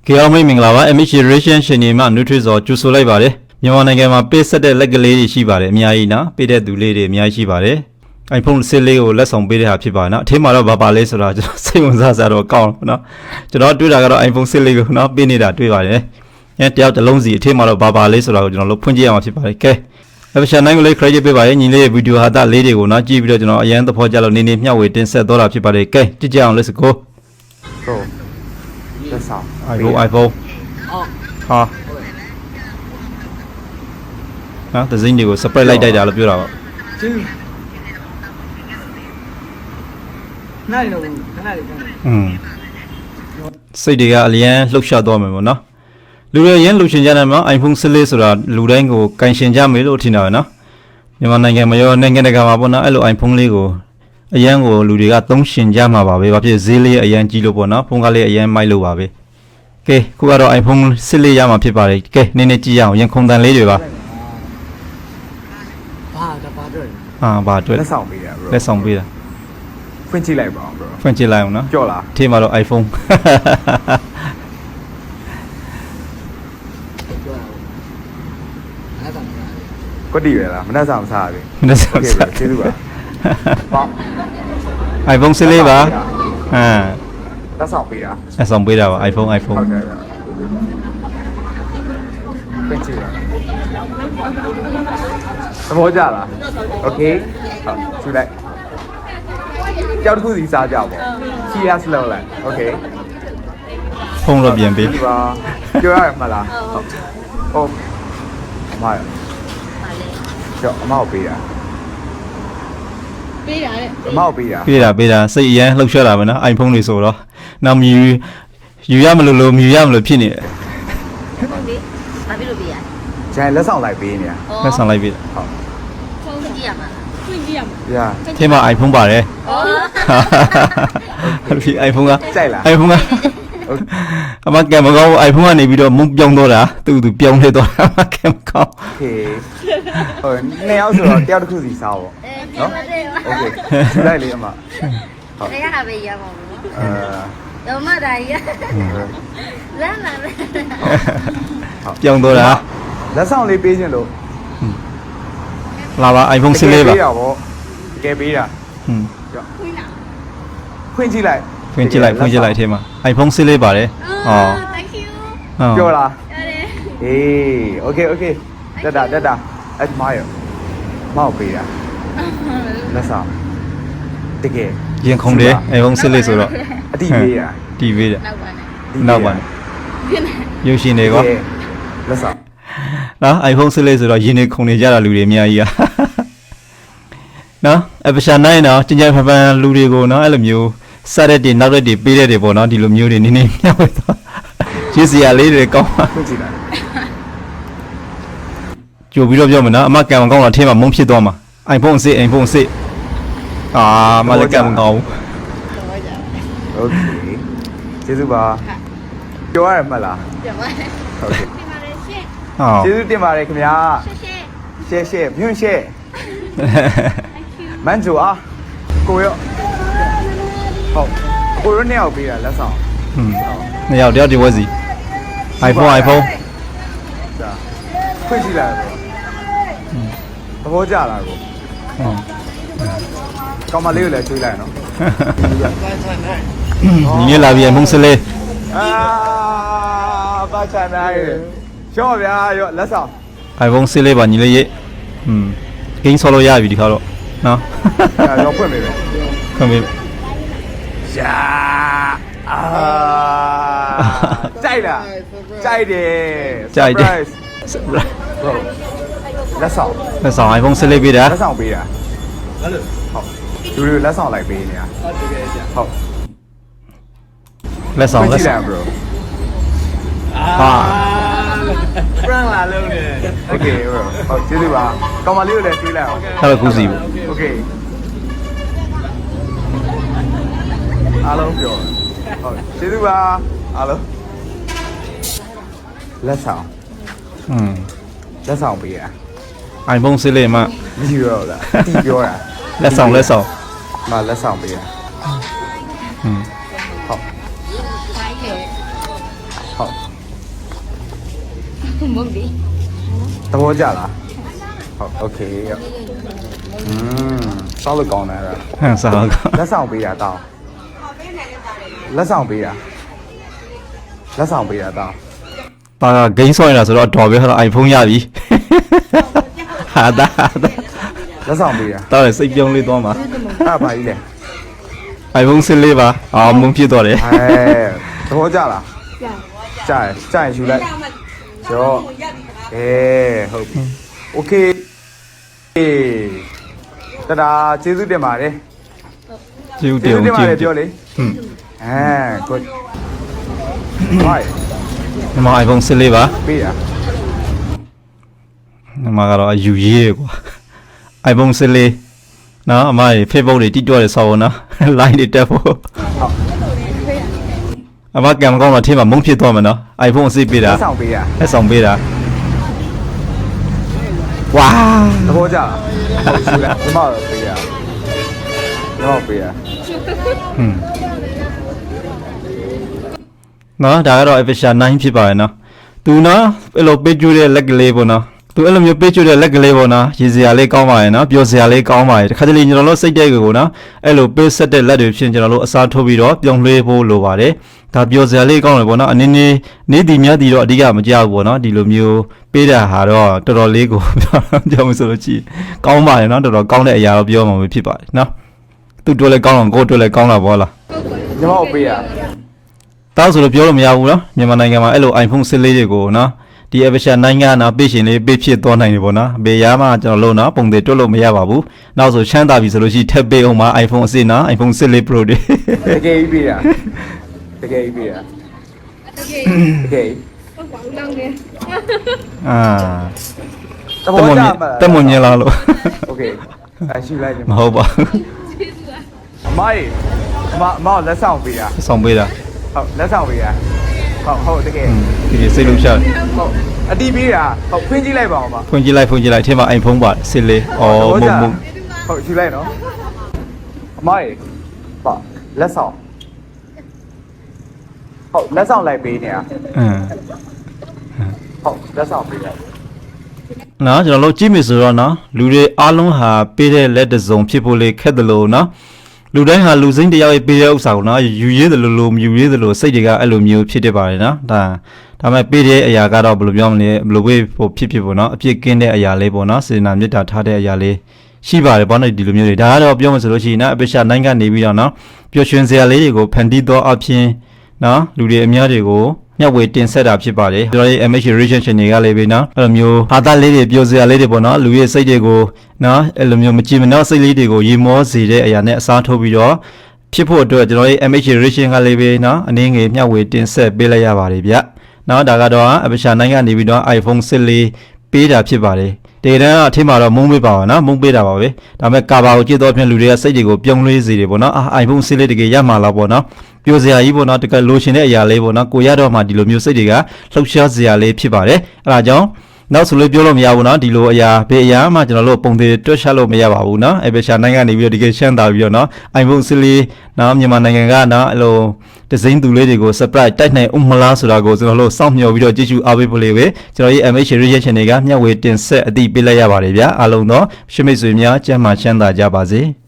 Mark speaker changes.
Speaker 1: Kaya may minglawa emission ရှင်နေမှာ Nutri-Zor ကျူဆိုလိုက်ပါတယ်မြန်မာနိုင်ငံမှာပေးဆက်တဲ့လက်ကလေးတွေရှိပါတယ်အများကြီးနော်ပေးတဲ့သူလေးတွေအများကြီးရှိပါတယ် iPhone 6လေးကိုလက်ဆောင်ပေးတဲ့ဟာဖြစ်ပါနော်အထင်းမှာတော့ဘာလဲဆိုတာကျွန်တော်စိတ်ဝင်စားတော့ကောင်းနော်ကျွန်တော်တွေ့တာကတော့ iPhone 6လေးကိုနော်ပေးနေတာတွေ့ပါတယ်အဲတယောက်တစ်လုံးစီအထင်းမှာတော့ဘာလဲဆိုတာကိုကျွန်တော်တို့ဖွင့်ကြည့်ရမှာဖြစ်ပါတယ်ကဲEpisode 9ကိုလေး credit ပေးပါရဲ့ညီလေးရဲ့ဗီဒီယိုဟာတာလေးတွေကိုနော်ကြည့်ပြီးတော့ကျွန်တော်အရန်သဘောကျလို့နေမျှဝေတင်ဆက်တော့တာဖြစ်ပါတယ်ကဲကြည့်ကြအောင် let's go
Speaker 2: Bro လက်ဆောင်
Speaker 1: iPhone ဟာနော်ဒီဇင်းတွေကို spread လိုက်တိုက်တာလို့ပြောတာပေါ့
Speaker 3: ကျင်းနိုင်လို့ခဏလေးခဏလေး
Speaker 1: စိတ်တွေကအလျန်လှုပ်ရှားသွားမယ်ပေါ့နော်လူတွေရင်းလှုပ်ရှင်ကြတယ်မှာ iPhone 14ဆိုတာလူတိုင်းကိုကန်ရှင်ကြမယ်လို့ထင်တာပဲနော်မြန်မာနိုင်ငံမှာရောနိုင်ငံတကာမှာပေါ့နော်အဲ့လို iPhone လေးကိုအရန်ကိုလူတွေကသုံးရှင်ကြမှာပါပဲဘာဖြစ်ဈေးလေးအရန်ကြီးလို့ပေါ့နော်ဖုန်းကားလေးအရန်မိုက်လို့ပါပဲကဲခုကတော့ iPhone 14ရမှာဖြစ်ပါတယ်ကဲနည်းနည်းကြည့်ရအောင်ရင်ခုန်တန်လေးတွေပါ
Speaker 3: ဘာတွေ့
Speaker 1: ဘာတွေ့
Speaker 2: လက်ဆောင်ပေးတာ bro
Speaker 1: လက်ဆောင်ပေးတာ
Speaker 2: ဖွင့်ကြည့်လိုက်ပါအောင် bro
Speaker 1: ဖွင့်ကြည့်လိုက်အောင်နော်
Speaker 2: ကြော့လား
Speaker 1: ထင်မှာတော့ iPhone
Speaker 2: ကွက်တီရလားမနှက်ဆောင်မစားဘူး
Speaker 1: မနှက်ဆောင်မစား
Speaker 2: ကျေးဇူးပါပေါ့
Speaker 1: iPhone 14ပါ
Speaker 2: လက်ဆောင်ပေးတာ
Speaker 1: လက်ဆောင်ပေးတာပါ iPhone
Speaker 2: ဟုတ်ကဲ့ဖွင့်ကြည့်ပါသဘောကျလား okay ဟုတ်ကြည့်လိုက်ကြောက်တစ်ခုစီစားကြပေါ့ cheers လောက်လိုက် okay
Speaker 1: ဖုန်းတော့ပြန်ပေး
Speaker 2: ဒီပါပြောရမှာလားဟုတ်အမရကျော်အမောက်ပေးတာ
Speaker 4: ပေးတာလေ
Speaker 2: အမောက်ပေးတာ
Speaker 1: ပေးတာစိတ်အရန်လှုပ်ရှားတာပဲနော် iPhone တွေဆိုတော့နောက်မြူယူရမလို့မြူရမလို့ဖြစ်နေတယ်
Speaker 4: ဟုတ်ပြီဘာဖြစ်လို့ပေးရ
Speaker 2: ကျန်လက်ဆောင်လိုက်ပေးနေတာ
Speaker 1: လက်ဆောင်လိုက်ပေးတာ
Speaker 2: ဟုတ်
Speaker 4: ဖုန်းကြည့်ရမှာဖွင့်ကြည့်ရမှာ
Speaker 2: ရ
Speaker 1: ထင်မှာ iPhone ပါတယ်
Speaker 4: ဩ
Speaker 1: ဒီ iPhone က
Speaker 2: ကြိုက်လား
Speaker 1: iPhone ကအမကံမကောင်း iPhone ကနေပြီးတော့မုန်းပြောင်းတော့တာသူပြောင်းလဲတော့တာမကံမကောင်း
Speaker 2: โอเคဟိုနှစ်ယောက်ဆိုတော့တယောက်တစ်ခုစီစားပေါ့
Speaker 4: နော်โอ
Speaker 2: โอเคကြည့်လိုက်လေအမ
Speaker 4: เคရရပဲရပါဘူးနော်
Speaker 2: အဲ
Speaker 4: တော့မတာကြီးလမ်းလာပဲ
Speaker 1: ပြောင်းတော့တာ
Speaker 2: လက်ဆောင်လေးပေးခြင်းလို့
Speaker 1: လာပါ iPhone 14ပါ
Speaker 2: ပေးတာပေါ့တကယ်ပေးတာ
Speaker 4: ခွင့်လာ
Speaker 2: ဖွင့်ကြည့်လိုက်
Speaker 1: ဖွင့်ကြည့်လိုက်ထဲမှာ iPhone 14ပါတယ်ဟော
Speaker 4: thank you
Speaker 2: ပြောလား
Speaker 4: ရတယ်
Speaker 2: အေးโอเคတက်တာ admire မောက်ပေးတာလက်ဆောင်တကယ်
Speaker 1: ရင်ခုန်တယ် iPhone 14ဆိုတော့
Speaker 2: အတိပေးတာ
Speaker 1: တီးပေးတယ်
Speaker 4: နောက်ပါနဲ့
Speaker 1: နောက်ပါရုပ်ရှင်တွေကော
Speaker 2: လက်ဆောင်
Speaker 1: နော် iPhone 14ဆိုတော့ရင်နေခုန်နေကြတာလူတွေအများကြီးอ่ะနော် episode 9နော်ကျန်ဖန်လူတွေကိုနော်အဲ့လိုမျိုးစရက်တွေနောက်ရက်တွေပေးတဲ့တွေပေါ့နော်ဒီလိုမျိုးတွေနည်းနည်းမျှဝေတော့ရစ်စရာလေးတွေကောင်းပါ
Speaker 2: ဖွင့်ကြည့်လိုက်
Speaker 1: ကြိုပြီးတော့ပြောမယ်နော်အမကံမကောင်းတော့အထင်းမှာမုန်းဖြစ်သွားမှာ iPhone 6မလည်းကံမကောင်း
Speaker 2: โอเคကျေးဇူးပါပြောရမှလား
Speaker 4: ပြန်ပါ
Speaker 2: ဟုတ်ကဲ့
Speaker 4: ဒီမှာလည်းရှင်း
Speaker 1: ဟော
Speaker 2: ကျေးဇူးတင်ပါတယ်ခင်ဗျာ
Speaker 4: ရှင်း
Speaker 2: ရှယ်မြွန့်ရှယ်မန်ဂျိုအားကိုရောဟုတ်ကိုရောနှစ်ယောက်ပေးတာလက်ဆောင်
Speaker 1: နှစ်ယောက်တယောက်ဒီဝက်စီ iPhone
Speaker 2: ဒါဖွင့်ကြည့်လိုက်တော့သဘောကျလားကိုကောင်မလေးကိုလည်းချွေးလိုက်နော်
Speaker 1: ညီလေးလာပြီ iPhone 14
Speaker 2: အာဘာချန်နိုင်ရှော့ဗျာရောလက်ဆောင်
Speaker 1: iPhone 14ပါညီလေးရေးဂိမ်းဆော်လို့ရပြီဒီခါတော့နော်
Speaker 2: ရောဖွင့်ပေးမယ်
Speaker 1: ခွင့်ပေး
Speaker 2: ယာအာကြိုက်လားကြိုက်တယ် Surprise bro လက်ဆောင်
Speaker 1: လက်ဆောင် iPhone 14ပေးတာ
Speaker 2: လက်ဆောင်ပေးတာဟုတ်လို့ဟုတ်လူတွေလက်ဆောင်လိုက်ပေးနေတာဟုတ်တကယ်ကြာဟုတ်
Speaker 1: လက်ဆောင်
Speaker 2: ကြည့်လိုက် bro
Speaker 1: ဟာ
Speaker 3: prank လာလုံးနေ
Speaker 2: okay bro ဟုတ်ကျေးဇူးပါကောင်မလေးကိုလည်းတွေးလိုက်အောင်
Speaker 1: အဲ့လိုကူစီပေါ့
Speaker 2: okay အားလုံးပြောဟုတ်ကျေးဇူးပါအားလုံးလက်ဆောင်လက်ဆောင်ပေးတာ
Speaker 1: iPhone 14မှာ
Speaker 2: မရှိတော့လားတီးပြောတာ
Speaker 1: လက်ဆောင်
Speaker 2: မလက်ဆောင်ပေးတာဟုတ်
Speaker 4: ဆိုင်ရမဟုတ်ဘူး
Speaker 2: သဘောကျလားဟုတ်โอเคစောက်လို့ကောင်းတယ်အဲ့
Speaker 1: ဟမ်စားတော့
Speaker 2: လက်ဆောင်ပေးတာတောင်းလက်ဆောင်ပေးတာလက်ဆောင်ပေးတာတောင်း
Speaker 1: ပါကဂိမ်းဆော့နေတာဆိုတော့တော်ပဲဟာ iPhone ရပြီဟာဒါ
Speaker 2: လက်ဆောင်ပေးတာ
Speaker 1: တော်တယ်စိတ်ပြုံးလေးသွားမှာ
Speaker 2: အဲ့ဘာကြီးလဲ
Speaker 1: iPhone 14ပါမုံဖြစ်သွားတယ်
Speaker 2: သဘောကျလားကျရင်ယူလိုက်ကျော်ဟုတ်ပြီโอเคတဒါကျေးဇူးတင်ပါတယ်
Speaker 1: ကျေးဇူးတ
Speaker 2: ကျေး
Speaker 1: င်
Speaker 2: ဇူးတင်ပါ
Speaker 1: ကျေး
Speaker 2: တယ်
Speaker 1: ဇူး
Speaker 2: ပြောလေ good why
Speaker 1: ဒီမှာ iPhone 14ပါ
Speaker 2: ပေးတာ
Speaker 1: ဒီမှာကတော့အယူရေးရကွာ iPhone 14နော်အမကြီး Facebook တွေတိတော့တယ်ဆောက်အောင်နော် line တွေတက်ဖို့အမကံမကောင်းတော့အထင်းမှာမုံဖြစ်သွားမှာနော် iPhone 14ပေးတာ
Speaker 2: လက်ဆောင်ပေးတာ
Speaker 1: လက်ဆောင်ပေးတာဝါ
Speaker 2: သဘောကျလားဟုတ်ယူလိုက်ဒီမှာပေးတာဒီမှာပေးတာ
Speaker 1: ဟွန်းနော်ဒါကတော့ Episha 9ဖြစ်ပါရဲ့နော်သူနော်အဲ့လိုပေးကျွေးတဲ့လက်ကလေးပေါ့နော်သူအဲ့လိုမျိုးပေးကျွေးတဲ့လက်ကလေးပေါ့နော်ရည်စရာလေးကောင်းပါရဲ့နော်ပျော်စရာလေးကောင်းပါရဲ့တခါတလေကျွန်တော်တို့စိတ်တဲ့ကိုနော်အဲ့လိုပေးဆက်တဲ့လက်တွေဖြင့်ကျွန်တော်တို့အစားထိုးပြီးတော့ပြောင်းလဲဖို့လိုပါတယ်ဒါပျော်စရာလေးကောင်းတယ်ပေါ့နော်အနေနဲ့နေတီများတီတော့အဓိကမကြောက်ဘူးပေါ့နော်ဒီလိုမျိုးပေးတာဟာတော့တော်တော်လေးကိုပြောမှဆိုလို့ကြည့်ကောင်းပါရဲ့နော်တော်တော်ကောင်းတဲ့အရာတော့ပြောမှာဖြစ်ပါတယ်နော်သူတို့လည်းကောင်းအောင်ကိုယ်တို့လည်းကောင်းတာပေါ့လား
Speaker 2: ညီမကိုပေးတာ
Speaker 1: တောက်ဆိုလို့ပြောလို့မရဘူးနော်မြန်မာနိုင်ငံမှာအဲ့လို iPhone 14တွေကိုနော်ဒီ Episha 9ကနော်ပေးရှင်လေးပေးဖြစ်သွားနိုင်တယ်ပေါ့နော်ဘေးရမှကျွန်တော်လို့နော်ပုံတွေတွတ်လို့မရပါဘူးနောက်ဆိုချမ်းသာပြီဆိုလို့ရှိရင်ထပ်ပေးအောင်မှာ iPhone အစ်စ်နော် iPhone 14 Pro တွေ
Speaker 2: တကယ်ကြီးပေးတာတကယ်ကြီးပေးတာတကယ်
Speaker 1: အာ
Speaker 2: သဘောကျမှာ
Speaker 1: တက်မွန်ညင်လာလို့
Speaker 2: โอเคအရှိလိုက်ညီ
Speaker 1: မ
Speaker 2: မ
Speaker 1: ဟုတ်ပါဘူး
Speaker 2: အမကြီးအမလက်ဆောင်ပေးတာ
Speaker 1: ဆောင်ပေးတာ
Speaker 2: ဟုတ်လက်ဆောင်ပေးတာဟုတ်တကယ်
Speaker 1: ဒီစိတ်လုံးရှာတယ်
Speaker 2: ဟုတ်အတီးပေးတာဟုတ်ဖွင့်ကြည့်လိုက်ပါဦးမ
Speaker 1: ဖွင့်ကြည့်လိုက်အထက်မှာ iPhone ပါ14အော်မုံ
Speaker 2: ဟုတ်ယူလိုက်နော်အမကြီးပါလက်ဆောင်ဟုတ်လက်ဆောင်လိုက်ပေးနေတာ ဟုတ်လက်ဆောင်ပေးလိုက်
Speaker 1: နော်ကျွန်တော်တို့ကြည့်မယ်ဆိုတော့နော်လူတွေအားလုံးဟာပေးတဲ့လက်တစုံဖြစ်ဖို့လေခက်တယ်လို့နော်လူတိုင်းဟာလူစိမ့်တယောက်ရဲ့ပေးတဲ့ဥစ္စာကိုနော်ယူရည်တယ်လို့မယူရည်တယ်လို့စိတ်တွေကအဲ့လိုမျိုးဖြစ်တတ်ပါတယ်နော်ဒါမဲ့ပေးတဲ့အရာကတော့ဘယ်လိုပြောမလဲဘယ်လိုဝေးဖို့ဖြစ်ပေါ့နော်အပြစ်ကင်းတဲ့အရာလေးပေါ့နော်စေနာမေတ္တာထားတဲ့အရာလေးရှိပါတယ်ပေါ့နော်ဒီလိုမျိုးတွေဒါကတော့ပြောမှဆိုလို့ရှိရင်နော်အပိရှာနိုင်ကနေပြီးတော့နော်ပျော်ရွှင်စရာလေးတွေကိုဖန်တီးသောအဖြစ်နော်လူတွေအများတွေကိုမျှဝေတင်ဆက်တာဖြစ်ပါတယ်ကျွန်တော်ရဲ့ MH Reaction တွေကလည်းပဲနော်အဲ့လိုမျိုးဟာတာလေးတွေပြောစရာလေးတွေပေါ့နော်လူရဲ့စိတ်တွေကိုနော်အဲ့လိုမျိုးမကြည်မနှောက်စိတ်လေးတွေကိုရေမောစေတဲ့အရာနဲ့အစားထိုးပြီးတော့ဖြစ်ဖို့အတွက်ကျွန်တော်ရဲ့ MH Reaction ကလည်းပဲနော်အနည်းငယ်မျှဝေတင်ဆက်ပေးလိုက်ရပါတယ်ဗျနော်ဒါကတော့အပိရှာနိုင်ကနေပြီးတော့ iPhone 14ပေးတာဖြစ်ပါတယ်တကယ်တမ်းအထင်မှာတော့မုံပေးပါပါနော်မုံပေးတာပါပဲဒါပေမဲ့ကာဘာကိုကြည့်တော့ဖြင့်လူတွေကစိတ်တွေကိုပြုံးလဲစေတယ်ပေါ့နော်iPhone 14တကယ်ရမှာလားပေါ့နော်ပြိုစရာကြီးပေါ့နော်တကယ်လိုချင်တဲ့အရာလေးပေါ့နော်ကိုရတော့မှဒီလိုမျိုးစိတ်တွေကလှုပ်ရှားစရာလေးဖြစ်ပါတယ်အဲဒါကြောင့်နောက်ဆိုလို့ပြောလို့မရဘူးနော်ဒီလိုအရာဘေးအရာမှကျွန်တော်တို့ပုံသေးတွက်ချက်လို့မရပါဘူးနော်အပေရှာနိုင်ငံနေပြီးတော့တကယ်ရှမ်းသာပြီးတော့နော် iPhone 14နော်မြန်မာနိုင်ငံကနော်အဲ့လိုဒီဇိုင်းသူလေးတွေကို surprise တိုက်နိုင်ဦးမလားဆိုတာကိုကျွန်တော်တို့စောင့်မျှော်ပြီးတော့ကြည့်ရှုအားပေးဖို့လေးပဲကျွန်တော်ရဲ့ MH Reaction တွေကမျှဝေတင်ဆက်အသိပေးလိုက်ရပါတယ်ဗျာအားလုံးတော့ရှမိတ်ဆွေများကျမ်းမာချမ်းသာကြပါစေ